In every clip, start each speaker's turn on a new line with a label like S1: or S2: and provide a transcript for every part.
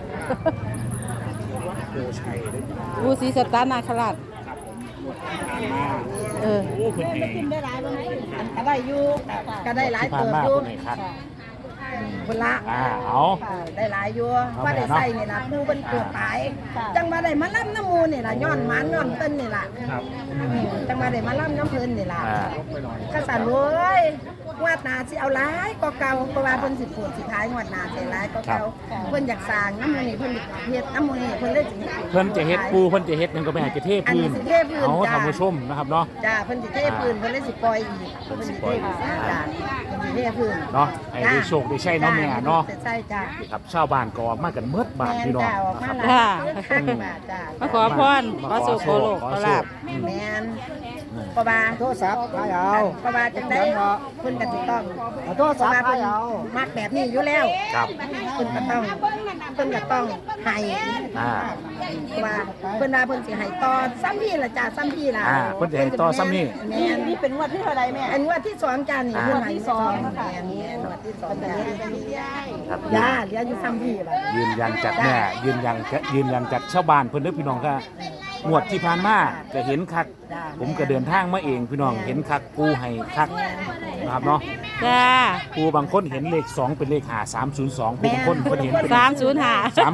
S1: โพชัยได้
S2: ปูศรีสัตตนาคราช
S1: ครับผมหมดที่ผ่านมา
S2: เออ
S1: โอ้เพิ่นให้
S3: ได้หลายบ่ก็ได้อยู่ก็ได้หลาย
S1: ที่ผ่าน
S3: เติบ
S1: มา
S3: อยู่
S1: เพิ่นให้คัด
S3: คนละ
S1: เอา
S3: ได้หลายอยู่ว่าได้ใส่นี่ล่ะปูเป็นเกิดตายจังมาได้มาล่ำน้ำมูนี่ล่ะย้อนหมันย้อนต้นนี่ล่ะ
S1: ครับ
S3: จังมาได้มาล่ำน้ำเพิ่นนี่ล่ะ
S1: อ่า
S3: ก็สั่นเว้ยงวดหน้าสิเอาหลายก็เก่าเพราะว่าเพิ่นสิปวดสิท้ายงวดหน้าสิหลายก็เก่าเพิ่นอยากสร้างน้ำมูนี่เพิ่นเฮ็ดน้ำมูนี่เพิ่นเลยสิ
S1: เพิ่นจะเฮ็ดปูเพิ่นจะเฮ็ดหยังก็ไปหาจะเทพื้น
S3: อันนี้สิเทพื้น
S1: เอา
S3: จ้ะ
S1: ท่านผู้ชมนะครับเนาะ
S3: จ้าเพิ่นสิเทพื้นเพิ่นเลยสิปล่อยอีกเพิ่นสิเทพื้นจ้าเพิ่นสิเทพื้น
S1: เนาะให้ได้โชคได้ใช้เนาะแม่เนาะ
S3: ใช่จ้า
S1: นี่ครับชาวบ้านก็ออกมากันเมิดบาท
S3: แม่น
S1: พี่น้อง
S3: จ้าออก
S1: นะ
S3: มา
S1: ครับ
S3: หลายคักบาทจ้า
S2: มาขอพรขอสุขขอโลกขอลาภ
S3: แม่นเพราะว่าโทรศัพท์ให้เอาเพราะว่าจังได๋เพิ่นก็สิต้องโทรศัพท์ให้เอามักแบบนี้อยู่แล้ว
S1: ครับ
S3: เพิ่นก็ต้องให้
S1: อ่า
S3: เพราะว่าเพิ่นว่าเพิ่นสิให้ต่อซ้ำพี่ล่ะจ้าซ้ำพี่ล่ะ
S1: เพิ่นจะให้ต่อซ้ำนี่
S3: แม่นนี่เป็นงวดที่เท่าใดแม่อันงวดที่2จ้านี่งวดที่2ค่ะแม่นงวดที่2จ้า
S1: ครับ
S3: ย่าเหลืออยู่ซ้ำพี่ล่ะ
S1: ยืนยันจากแม่ยืนยันจากชาวบ้านเพิ่นเด้อพี่น้องก็งวดที่ผ่านมาก็เห็นคัก ผมก็เดินทางมาเองพี่น้องเห็นคักปูให้คักนะครับเนาะ
S2: จ้า
S1: ปูบางคนเห็นเลข2เป็นเลข5302ปูบางคนเพิ่นเห็นเป็น
S2: 305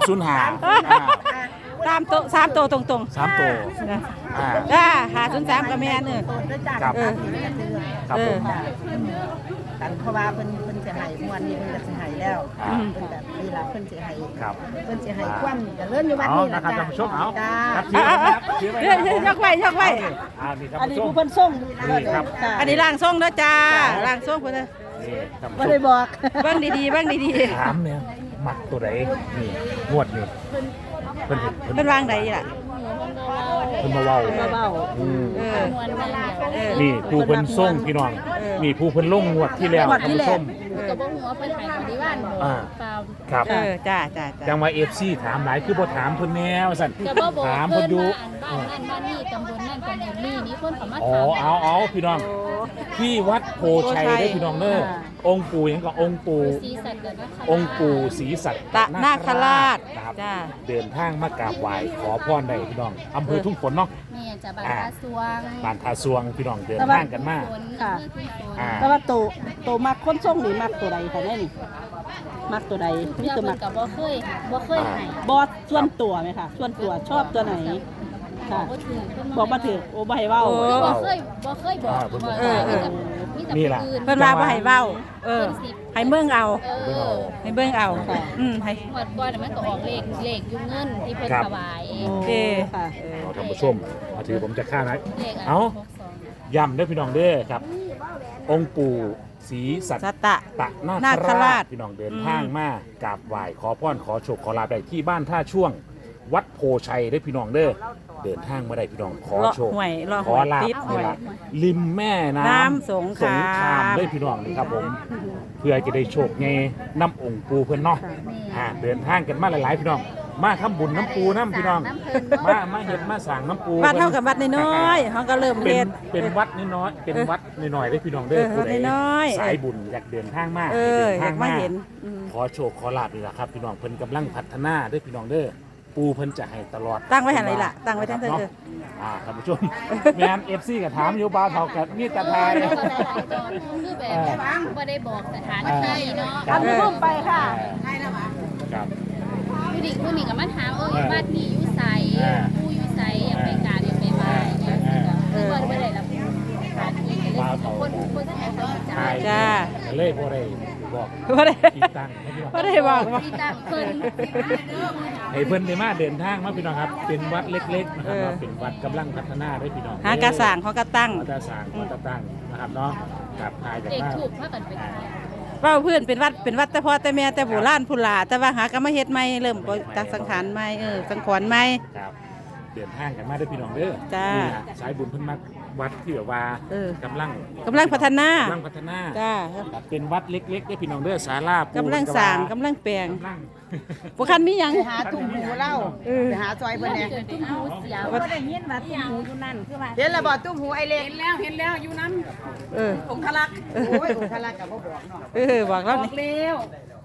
S1: 305
S2: ตามโตสามโตตรงๆ
S1: 3ตัว
S2: นะ
S1: อ่า
S2: จ้า503ก็แม่นเด้อ
S1: ครับ ครับผม
S3: กันเพราะว่าเพิ่นสิให้มวนนี่เพิ่นก็สิให้แล้ว
S1: อ่า
S3: เพิ่นแบบนี่ล่ะเพิ่นสิให้
S1: ครับ
S3: เพิ่นสิให้ความเจริญอยู่วัด
S1: เอา
S3: นี้
S1: นะ
S3: ล่ะ
S1: ครับ
S3: จ้า
S1: ท่านผู้ชมเอา
S3: จ้า
S1: ครับ
S2: เดี๋ยวยกไว้ยกไว้
S1: นี่ครับ
S3: อันนี้
S1: ผู้ชม
S3: ผู้เพิ่นส่ง
S1: นี่ครับ
S3: จ้า
S2: อันนี้ร่างทรงเด้อจ้าร่างทรงเพิ่นเด้อ
S1: นี่ครับ
S3: บ่ได้บอก
S2: เบิ่งดีๆเบิ่งดี
S1: ถามเนี่ยมักตัวไหนนี่งวดนี่เพิ่นเห็น
S2: ๆเพิ่นวางใดล่ะ
S1: เพิ่นมาเว้า
S3: มาเว้า
S1: อืม
S2: เออเออ
S1: นี่ผู้เพิ่นส่งพี่น้องนี่ผู้เพิ่นลงงวดที่แล้ว
S3: งวด
S1: ท่าน
S3: ที่
S1: ผู้ชม
S4: ก็บ่ฮู้ว่าเพิ่นให้บริวารบ่
S1: อ่า
S4: เปล่า
S1: ครับ
S2: เออจ้าจ้า
S1: จั
S2: จ้าง
S1: ว่า FC ถามหลายคือบ่ถามเพิ่นแนวสั่น
S4: ก็บ่บอก
S1: ถาม
S4: เพิ่
S1: เพิ่น
S4: น
S1: อยู่
S4: ว่าอันบ้านนั่นบ้านนี้ตำบลนั่นตำบลนี้นี่เพิ่นก็มา
S1: อ๋อ
S4: ถาม
S1: เอาพี่น้องที่วัดโพชัยเด้อพี่น้องเด้อองค์ปู่หยังก็องค์ปู่
S4: สีสัตว์กันนะคะ
S1: องค์ปู่ศรีสัตต
S2: นาคราช
S1: นะครับ
S2: จ้า
S1: เดินทางมากราบไหว้ขอพรได้พี่น้องอำเภอทุ่งฝนเนาะ
S4: แม่จะบ้านตาสวง
S1: บ้านทาสวงพี่น้องเดินทางกันมา
S4: ฝน
S3: ค่ะ
S4: เพื่อทุ่งฝน
S1: อ่า
S3: แต่ว่าโตมักคนส่งนี่มักตัวใดคะแน่นี่มักตัวใดมี
S4: เพื่อ
S3: ตัว
S4: เพิ่
S3: มั
S4: น
S3: ก
S4: ก็บ่เคยให้
S3: บอสส่วนตัวไหมคะส่วนตัวชอบตัวไหนค่ะ
S4: บ่ถือเพิ่น
S3: บอกมาถือโอ้บ่ให้เว้า
S2: โอ้
S4: บ่เคยบอกว่า
S2: เออ
S4: มีแต่
S1: นี่
S4: ผู้
S1: ล่ะ
S4: อื่น
S2: เพิ่นว่าบ่ให้เว้าเออให้เบิ่งเอา
S4: เออ
S2: ให้เบิ่งเอาให้
S4: หมดก่อนมันก็ออกเลขอยู่เงินที่เพิ่นถวายเอง
S2: โอเค
S3: ค่ะ
S1: เอาท่านผู้ชมมาถือผมจะฆ่านะ
S4: เลข
S1: เอา
S4: 62
S1: ย้ำเด้อพี่น้องเด้อครับ องค์ปู่ศรีสัต
S2: สัตตะ
S1: ตนา
S2: นา
S1: ค
S2: ค
S1: รา
S2: รา
S1: ช
S2: ช
S1: พี่น้องเดินทางมากราบไหว้ขอพรขอโชคขอลาภได้ที่บ้านท่าช่วง วัดโพชัยได้อพี่น้องเด้อเดินทางมาได้พี่น้องขอโชค
S2: เลาะห้วยเลาะ
S1: ข
S2: ห้
S1: อ
S2: วย
S1: ลาภ
S2: ติดห้วย
S1: นี่ล่ะริมแม่น้
S2: น้ำ
S1: ำ
S2: สงขลาม
S1: ได้อพี่น้องนี่ครับผม เพื่อจะได้โชคไงน้ำองค์ปูเพื่อนเนาะเดินทางกันมาหลายๆพี่น้อง มาทำบุญน้ำปูน้ำพี่น้อง มาเห็ดมาสั่งน้ำปู
S2: วัดเท่ากับวัดน้อยๆเขาก็เริ่ม
S1: เป็
S2: เฮ็
S1: น
S2: ด
S1: เป็นวัดน้อยๆเป็นวัดน้อยๆได้อพี่น้องเด้อ
S2: เออ
S1: ผู้ใด
S2: น้อยๆ
S1: สายบุญอยากเดินทางมา
S2: เออ
S1: ดิน
S2: อยากมาเห็นอืม
S1: ขอโชคขอลาบนี่แหละครับพี่น้องเพิ่นกำลังพัฒนาเด้อพี่น้องเด้อปูเพิ่นจะให้ตลอด
S2: ตั้งไว้หันไหนล่ะตั้งไว้ทั้งเธอ
S1: นาะท่านผู้ชม แม่น FC ก็ถามอยู่บ่าวเท่ากับมีแตะทาย
S4: ก็ได้หลายจอคือแบบบ่ได้บอกสถานที่เนาะ
S3: อันนี้รูปไปค่ะ
S1: ครับ
S4: ผู้นี้ก็มาถามบ้านนี้อยู่ไสผู้อยู่ไสอยากไปกราบอยากไปไหว้คือว่าบ่ได้รับสถานที่ก็เลยคนที่ให้เขาจ่า
S1: ทาย
S4: ย
S2: จ้า
S1: ก็เลยบ่ได้บอก
S2: บ่ได้
S1: ที่ตั้งให้พี่น้อง
S2: บ่ได้บอกว่า
S4: ที่ตั้งเพิ่น
S1: ให้เพิ่นได้มาเดินทางมาพี่น้องครับ เป็นวัดเล็กๆนะครับ
S2: เออ
S1: เนาะเป็นวัดกำลังพัฒนาได้พี่น้อง
S2: หากระสร้างเขาก็ตั้ง
S1: วัดกระสร้างวัดกระตั้งนะครับเนาะกับทายจาก
S4: เด็ก
S1: บ้าน
S4: ถูกพากันไป
S2: เว้าพื้นเป็นวัดแต่พ่อแต่แม่แต่โบราณพุ่นล่ะแต่ว่าหาก็มาเฮ็ดใหม่เริ่มบ่ตักสังขารใหม่สังขรณ์ใหม่
S1: ครับเดินทางกันมาได้อพี่น้องเด้อ
S2: จ้า
S1: นี่ล่ะสายบุญเพิ่นมาวัดที่แบบว่า
S2: เออ
S1: กำลัง
S2: กำลังพัฒนา จ้า
S1: ครับเป็นวัดเล็กๆได้อพี่น้องเด้อศาลาปู
S2: กำลังสร้างกำลังแปลง
S1: กำลัง
S2: บ่คันมีหยัง
S3: ไปหาตุ่มหูเล่าไปหาซอยเพิ่นเนี่ย
S4: เกิดตุ้มหูเสียว
S3: บ่ได้ยินว่าตุ่มหูอยู่นั่นคือว่าเห็นแล้วบ่ตุ่มหูไอเล็กเห็นแล้วอยู่นำ
S2: เออ
S3: องคลักษ์โอ้ยองคลักษ์ก็บ่บอกเนาะ
S2: บอกแล้ว
S3: บอ
S2: นี่
S3: กแล้ว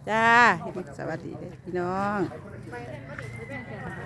S2: จ้าสวัสดีเด้อพี่น้อง